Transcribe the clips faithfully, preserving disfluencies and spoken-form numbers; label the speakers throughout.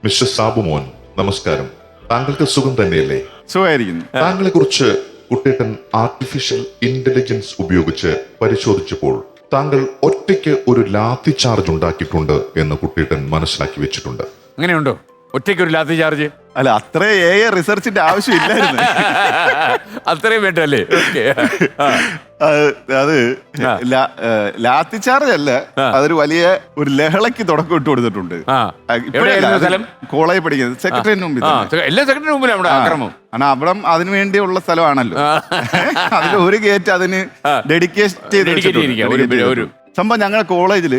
Speaker 1: Mister Sabumon, നമസ്കാരം. താങ്കൾക്ക് സുഖം തന്നെയല്ലേ?
Speaker 2: സുഖമായിരിക്കുന്നു.
Speaker 1: താങ്കളെ കുറിച്ച് കുട്ടേട്ടൻ ആർട്ടിഫിഷ്യൽ ഇന്റലിജൻസ് ഉപയോഗിച്ച് പരിശോധിച്ചപ്പോൾ താങ്കൾ ഒറ്റയ്ക്ക് ഒരു ലാത്തി ചാർജ് ഉണ്ടാക്കിയിട്ടുണ്ട് എന്ന് കുട്ടേട്ടൻ മനസ്സിലാക്കി വെച്ചിട്ടുണ്ട്.
Speaker 3: അങ്ങനെയുണ്ടോ? ഒറ്റയ്ക്ക് ഒരു ലാത്തി ചാർജ്?
Speaker 2: അല്ല, അത്ര എ റിസർച്ചിന്റെ ആവശ്യമില്ലായിരുന്നു.
Speaker 3: അത്രയും വേണ്ടല്ലേ?
Speaker 2: അത് ലാത്തി ചാർജ് അല്ല, അതൊരു വലിയ ഒരു ലഹളയ്ക്ക് തുടക്കം ഇട്ട് കൊടുത്തിട്ടുണ്ട്. കോളേജ് പഠിക്കുന്നത് സെക്രട്ടറിന് മുമ്പിൽ,
Speaker 3: എല്ലാ സെക്രട്ടറിന് മുമ്പിൽ അവിടെ ആക്രമം.
Speaker 2: കാരണം അവിടെ അതിനു വേണ്ടിയുള്ള സ്ഥലമാണല്ലോ. അതിൽ ഒരു ഗേറ്റ് അതിന് ഡെഡിക്കേറ്റ് ചെയ്ത് സംഭവം. ഞങ്ങളുടെ കോളേജിൽ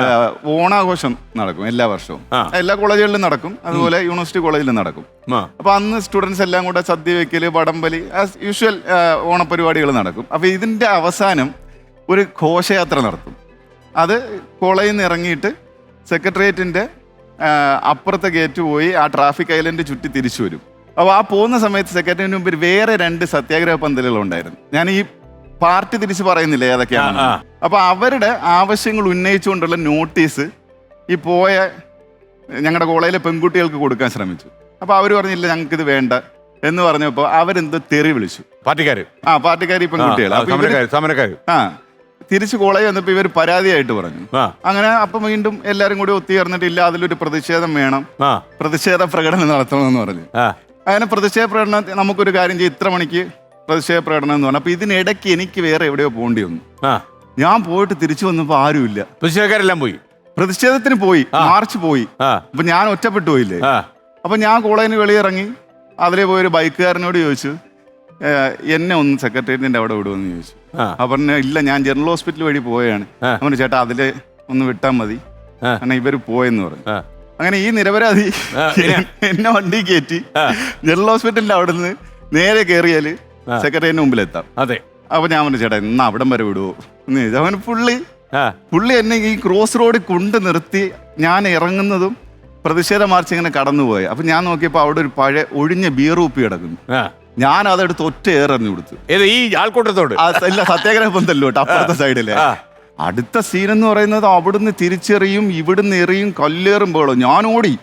Speaker 2: ഓണാഘോഷം നടക്കും എല്ലാ വർഷവും. എല്ലാ കോളേജുകളിലും നടക്കും, അതുപോലെ യൂണിവേഴ്സിറ്റി കോളേജിലും നടക്കും. അപ്പൊ അന്ന് സ്റ്റുഡൻസ് എല്ലാം കൂടെ സദ്യ വെക്കല്, വടംവലി, ആസ് യൂഷ്വൽ ഓണപരിപാടികൾ നടക്കും. അപ്പൊ ഇതിന്റെ അവസാനം ഒരു ഘോഷയാത്ര നടത്തും. അത് കോളേജിൽ നിന്ന് ഇറങ്ങിയിട്ട് സെക്രട്ടേറിയറ്റിന്റെ അപ്പുറത്തെ ഗേറ്റ് പോയി ആ ട്രാഫിക് ഐലൻഡ് ചുറ്റി തിരിച്ചു വരും. അപ്പോൾ ആ പോകുന്ന സമയത്ത് സെക്രട്ടേറിയറ്റിന് മുമ്പിൽ വേറെ രണ്ട് സത്യാഗ്രഹ പന്തലുകൾ ഉണ്ടായിരുന്നു. ഞാൻ ഈ പാർട്ടി തിരിച്ച് പറയുന്നില്ല ഏതൊക്കെയാണ്. അപ്പൊ അവരുടെ ആവശ്യങ്ങൾ ഉന്നയിച്ചുകൊണ്ടുള്ള നോട്ടീസ് ഈ പോയ ഞങ്ങളുടെ കോളേജിലെ പെൺകുട്ടികൾക്ക് കൊടുക്കാൻ ശ്രമിച്ചു. അപ്പൊ അവര് പറഞ്ഞില്ല, ഞങ്ങൾക്ക് ഇത് വേണ്ട എന്ന് പറഞ്ഞപ്പോ അവരെന്തോ തെറി വിളിച്ചു.
Speaker 3: പാർട്ടിക്കാര്
Speaker 2: ആ പാർട്ടിക്കാർ ഈ പെൺകുട്ടികൾ ആ തിരിച്ച് കോളേജ് വന്നപ്പോ ഇവർ പരാതിയായിട്ട് പറഞ്ഞു. അങ്ങനെ അപ്പൊ വീണ്ടും എല്ലാരും കൂടി ഒത്തുചേർന്നിട്ടില്ല, അതിലൊരു പ്രതിഷേധം വേണം, പ്രതിഷേധ പ്രകടനം നടത്തണമെന്ന് പറഞ്ഞു. അങ്ങനെ പ്രതിഷേധ പ്രകടനം നമുക്കൊരു കാര്യം ചെയ്യും, ഇത്ര മണിക്ക് പ്രതിഷേധ പ്രകടനം എന്ന് പറഞ്ഞു. അപ്പൊ ഇതിനിടയ്ക്ക് എനിക്ക് വേറെ എവിടെയോ പോകേണ്ടി വന്നു. ഞാൻ പോയിട്ട് തിരിച്ചു വന്നപ്പോ ആരുമില്ല.
Speaker 3: പ്രതിഷേധക്കാരെല്ലാം പോയി,
Speaker 2: പ്രതിഷേധത്തിന് പോയി, മാർച്ച് പോയി. അപ്പൊ ഞാൻ ഒറ്റപ്പെട്ടു പോയില്ലേ. അപ്പൊ ഞാൻ കോളേജിന് വെളിയിറങ്ങി അതിലെ പോയൊരു ബൈക്കുകാരനോട് ചോദിച്ചു, എന്നെ ഒന്ന് സെക്രട്ടേറിയറ്റിന്റെ അവിടെ വിടുമെന്ന് ചോദിച്ചു. അപ്പൊ പറഞ്ഞു, ഇല്ല, ഞാൻ ജനറൽ ഹോസ്പിറ്റൽ വഴി പോയാണ്. അവന് ചേട്ടാ അതില് ഒന്ന് വിട്ടാൽ മതി, കാരണം ഇവര് പോയെന്ന് പറഞ്ഞു. അങ്ങനെ ഈ നിരപരാധി എന്നെ വണ്ടി കയറ്റി ജനറൽ ഹോസ്പിറ്റലിന്റെ അവിടെ നിന്ന് നേരെ കയറിയാല് സെക്രട്ടറിയുടെ മുമ്പിലെത്താം.
Speaker 3: അതെ.
Speaker 2: അപ്പൊ ഞാൻ പറഞ്ഞു, ചേട്ടാ എന്നാ അവിടം വരെ വിടുവോ എന്ന് ചോദിച്ചു. അവന് പുള്ളി പുള്ളി എന്നെ ഈ ക്രോസ് റോഡിൽ കൊണ്ട് നിർത്തി ഞാൻ ഇറങ്ങുന്നതും പ്രതിഷേധ മാർച്ച് ഇങ്ങനെ കടന്നുപോയി. അപ്പൊ ഞാൻ നോക്കിയപ്പോ അവിടെ ഒരു പഴയ ഒഴിഞ്ഞ ബിയർ കുപ്പി കിടക്കുന്നു. ഞാൻ അതെടുത്ത് ഒറ്റ ഏറെറിഞ്ഞു കൊടുത്തു.
Speaker 3: ഈ ആൾക്കൂട്ടത്തോട്
Speaker 2: ഇല്ല, സത്യാഗ്രഹ പന്തല്ലോട്ട് അപ്പുറത്തെ സൈഡിലെ. അടുത്ത സീൻ എന്ന് പറയുന്നത് അവിടുന്ന് തിരിച്ചെറിയും, ഇവിടുന്ന് എറിയും, കല്ലേറുമ്പോഴോ ഞാൻ ഓടി,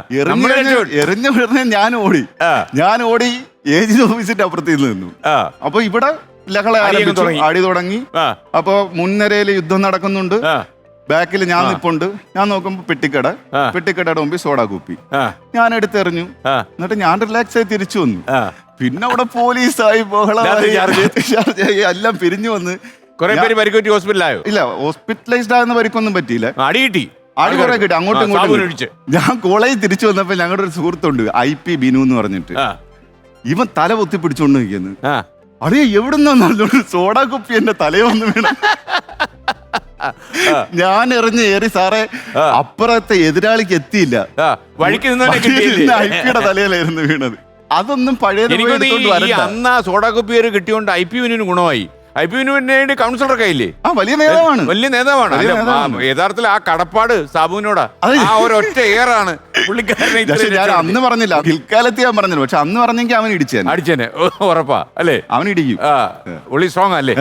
Speaker 2: എറിഞ്ഞ വിടുന്ന ഞാൻ ഓടി ഞാൻ ഓടി ഏജൻസി ഓഫീസിന്റെ അപ്പുറത്ത് നിന്നു. അപ്പൊ ഇവിടെ ലഹള ആരംഭിച്ചു, അടി തുടങ്ങി. അപ്പൊ മുൻനിരയില് യുദ്ധം നടക്കുന്നുണ്ട്, ബാക്കിൽ ഞാൻ നിപ്പുണ്ട്. ഞാൻ നോക്കുമ്പോ പെട്ടിക്കട, പെട്ടിക്കടയുടെ മുമ്പിൽ സോഡാ കുപ്പി ഞാൻ എടുത്തെറിഞ്ഞു. എന്നിട്ട് ഞാൻ റിലാക്സ് ആയി തിരിച്ചു വന്നു. പിന്നെ അവിടെ പോലീസായി ബഹളമായി, എല്ലാം പിരിഞ്ഞു വന്ന്
Speaker 3: ഹോസ്പിറ്റലായോ?
Speaker 2: ഇല്ല, ഹോസ്പിറ്റലൈസ്ഡ് ആകുന്ന പരിക്കൊന്നും പറ്റിയില്ല.
Speaker 3: അടി കിട്ടി,
Speaker 2: അടി കുറെ കിട്ടി, അങ്ങോട്ടും ഇങ്ങോട്ടും. ഞാൻ കോളേജിൽ തിരിച്ചു വന്നപ്പോ ഞങ്ങളുടെ ഒരു സുഹൃത്തുണ്ട്, ഐ പി ബിനു എന്ന് പറഞ്ഞിട്ട്. ഇവൻ തല പൊത്തി പിടിച്ചോണ്ട് നിൽക്കുന്നു. അറിയ എവിടുന്ന സോഡാ കുപ്പി എന്റെ തലയെ വന്ന് വീണ. ഞാൻ എറിഞ്ഞ് ഏറി സാറേ അപ്പുറത്തെ എതിരാളിക്ക് എത്തിയില്ല, ഐ പിയുടെ തലയിലായിരുന്നു വീണത്. അതൊന്നും പഴയ
Speaker 3: അന്ന് സോഡാ കുപ്പി കിട്ടിയോണ്ട് ഐ പി ബിനുവിന് ഗുണമായി. ഐ പി ബിനുവിന് വേണ്ടി കൗൺസിലറൊക്കെ ഇല്ലേ?
Speaker 2: ആ വലിയ നേതാവാണ്,
Speaker 3: വലിയ നേതാവാണ്. യഥാർത്ഥത്തിൽ ആ കടപ്പാട് സാബുവിനോടാ, ആ ഒരൊറ്റ ഏറാണ് പുള്ളിക്കാരനെ.
Speaker 2: ഞാൻ അന്ന് പറഞ്ഞില്ല, പിൽക്കാലത്ത് ഞാൻ പറഞ്ഞില്ല, പക്ഷെ അന്ന് പറഞ്ഞെങ്കിൽ അവൻ ഇടിച്ചേനെ
Speaker 3: അടിച്ചേനെ ഉറപ്പാ അല്ലേ?
Speaker 2: അവൻ ഇടിക്കും.
Speaker 3: പുള്ളി സ്ട്രോങ് അല്ലേ?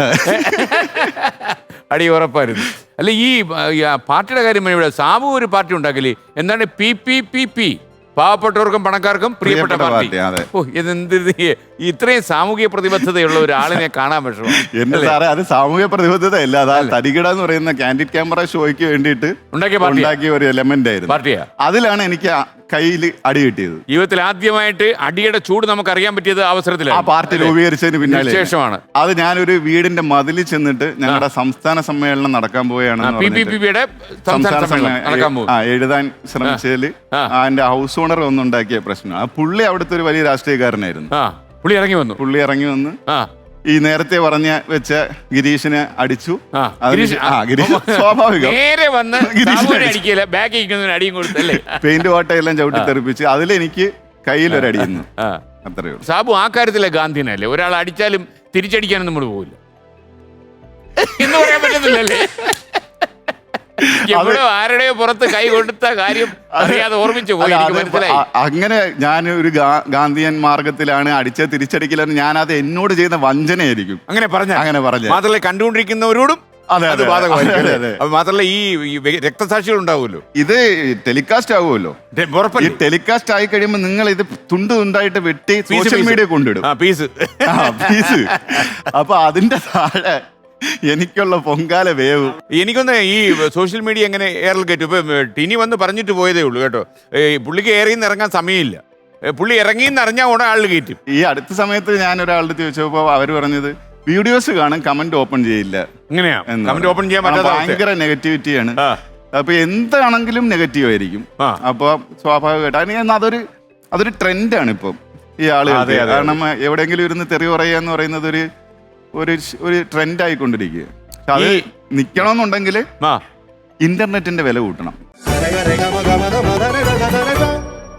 Speaker 3: അടി ഉറപ്പായിരുന്നു. അല്ല, ഈ പാർട്ടിയുടെ കാര്യം ഇവിടെ സാബു ഒരു പാർട്ടി ഉണ്ടാക്കില്ലേ, എന്താണ് പി പി പി പി പാവപ്പെട്ടവർക്കും പണക്കാർക്കും പ്രിയപ്പെട്ട പാർട്ടി. ഓ, ഇതെന്ത് ഇത്രയും സാമൂഹിക പ്രതിബദ്ധതയുള്ള ഒരാളിനെ കാണാൻ പറ്റുമോ?
Speaker 2: എന്റെ സാറേ, അത് സാമൂഹിക പ്രതിബദ്ധത അല്ല, അതാ തരികിട എന്ന് പറയുന്ന കാൻഡിഡ് ക്യാമറ ഷോയ്ക്ക് വേണ്ടിയിട്ട് ഉണ്ടാക്കിയ ഒരു എലമെന്റ് ആയിരുന്നു പാർട്ടിയാ. അതിലാണ് എനിക്ക് കയ്യിൽ അടി കിട്ടിയത്.
Speaker 3: ജീവിതത്തിൽ ആദ്യമായിട്ട് അടിയുടെ ചൂട് നമുക്ക് അറിയാൻ പറ്റിയത് അവസരത്തിലാണ്.
Speaker 2: ആ പാർട്ടി രൂപീകരിച്ചതിന് പിന്നാലെ
Speaker 3: ശേഷമാണ്.
Speaker 2: അത് ഞാനൊരു വീടിന്റെ മതിലിൽ ചെന്നിട്ട് ഞങ്ങളുടെ സംസ്ഥാന സമ്മേളനം നടക്കാൻ പോവുകയാണ്, എഴുതാൻ ശ്രമിച്ചതിൽ എന്റെ ഹൗസ് ഓണർ ഒന്നുണ്ടാക്കിയ പ്രശ്നം. ആ പുള്ളി അവിടുത്തെ ഒരു വലിയ രാഷ്ട്രീയക്കാരനായിരുന്നു.
Speaker 3: പുള്ളി ഇറങ്ങി വന്നു
Speaker 2: പുള്ളി ഇറങ്ങി വന്ന് ഈ നേരത്തെ പറഞ്ഞ വെച്ച ഗിരീഷിനെ അടിച്ചു. സ്വാഭാവികം, പെയിന്റ് വാട്ടയെല്ലാം ചവിട്ടി തെറിപ്പിച്ച് അതിലെനിക്ക് കയ്യിലൊരടിയുന്നു. അത്രയേ ഉള്ളൂ.
Speaker 3: സാബു ആ കാര്യത്തിലെ ഗാന്ധിനല്ലേ, ഒരാൾ അടിച്ചാലും തിരിച്ചടിക്കാനും നമ്മൾ പോകില്ല എന്ന് പറയാൻ പറ്റുന്നില്ലല്ലേ? ആരുടെയോ പുറത്ത് കൈ കൊടുത്ത കാര്യം അറിയാതെ ഓർമ്മിച്ചു പോയി.
Speaker 2: അങ്ങനെ ഞാൻ ഒരു ഗാന്ധിയൻ മാർഗത്തിലാണ് അടിച്ച തിരിച്ചടിക്കലെന്ന് ഞാൻ അത് എന്നോട് ചെയ്യുന്ന വഞ്ചനയായിരിക്കും.
Speaker 3: അങ്ങനെ പറഞ്ഞ അങ്ങനെ പറഞ്ഞു. മാത്രമല്ല കണ്ടുകൊണ്ടിരിക്കുന്നവരോടും
Speaker 2: അതെ,
Speaker 3: അത്
Speaker 2: അതെ.
Speaker 3: ബാധകമായിരിക്കും
Speaker 2: അതെ,
Speaker 3: അല്ലേ?
Speaker 2: അതെ.
Speaker 3: അപ്പൊ മാത്രമല്ല ഈ ഈ വ്യ- രക്തസാക്ഷികൾ ഉണ്ടാവുമല്ലോ.
Speaker 2: ഇത് ടെലികാസ്റ്റ് ആവുമല്ലോ. ഈ
Speaker 3: ഉറപ്പല്ലേ?
Speaker 2: ടെലികാസ്റ്റ് ആയി കഴിയുമ്പോൾ നിങ്ങൾ ഇത് തുണ്ട് തുണ്ടായിട്ട് വെട്ടി
Speaker 3: പീസ്
Speaker 2: സോഷ്യൽ
Speaker 3: പീസ്.
Speaker 2: മീഡിയ കൊണ്ടിടും.
Speaker 3: ആ പീസ്.
Speaker 2: ആ, പീസ്. അപ്പൊ അതിന്റെ താഴെ എനിക്കുള്ള പൊങ്കാല വേവ്.
Speaker 3: എനിക്കൊന്ന് ഈ സോഷ്യൽ മീഡിയ എങ്ങനെ എയറിൽ കയറ്റും? ഇപ്പൊ ടിനി വന്ന് പറഞ്ഞിട്ട് പോയതേ ഉള്ളൂ കേട്ടോ. ഈ പുള്ളിക്ക് എയറിൽ നിന്ന് ഇറങ്ങാൻ സമയമില്ല. ഏ, പുള്ളി ഇറങ്ങിന്ന് അറിഞ്ഞാൽ ഉടനെ ആളിൽ കയറ്റും.
Speaker 2: ഈ അടുത്ത സമയത്ത് ഞാൻ ഒരാളുടെ ചോദിച്ചപ്പോ അവര് പറഞ്ഞത് വീഡിയോസ് കാണും, കമന്റ് ഓപ്പൺ ചെയ്യില്ല
Speaker 3: ഇങ്ങനെയാ
Speaker 2: എന്ന്
Speaker 3: കമന്റ്
Speaker 2: പറഞ്ഞു.
Speaker 3: ഓപ്പൺ ചെയ്യാൻ
Speaker 2: ആ,
Speaker 3: പറ്റാത്ത അവസ്ഥയാ.
Speaker 2: ഭയങ്കര നെഗറ്റിവിറ്റിയാണ്.
Speaker 3: ആ.
Speaker 2: അപ്പൊ എന്താണെങ്കിലും നെഗറ്റീവ് ആയിരിക്കും.
Speaker 3: ആ.
Speaker 2: അപ്പൊ സ്വാഭാവികമായിട്ട് അതിന് അതൊരു അതൊരു ട്രെൻഡാണ് ഇപ്പം ഈ ആളുകൾ.
Speaker 3: അതെ, അതെ,
Speaker 2: കാരണം എവിടെയെങ്കിലും ഇരുന്ന് തെറി പറയുക എന്ന് പറയുന്നത് ഒരു ഒരു ഒരു ട്രെൻഡ് ആയിക്കൊണ്ടിരിക്കുക. പക്ഷെ അത്
Speaker 3: ഈ-
Speaker 2: നിക്കണമെന്നുണ്ടെങ്കിൽ
Speaker 3: ആ
Speaker 2: ഇന്റർനെറ്റിന്റെ വില കൂട്ടണം.
Speaker 4: Rega, rega, maga, maga, maga,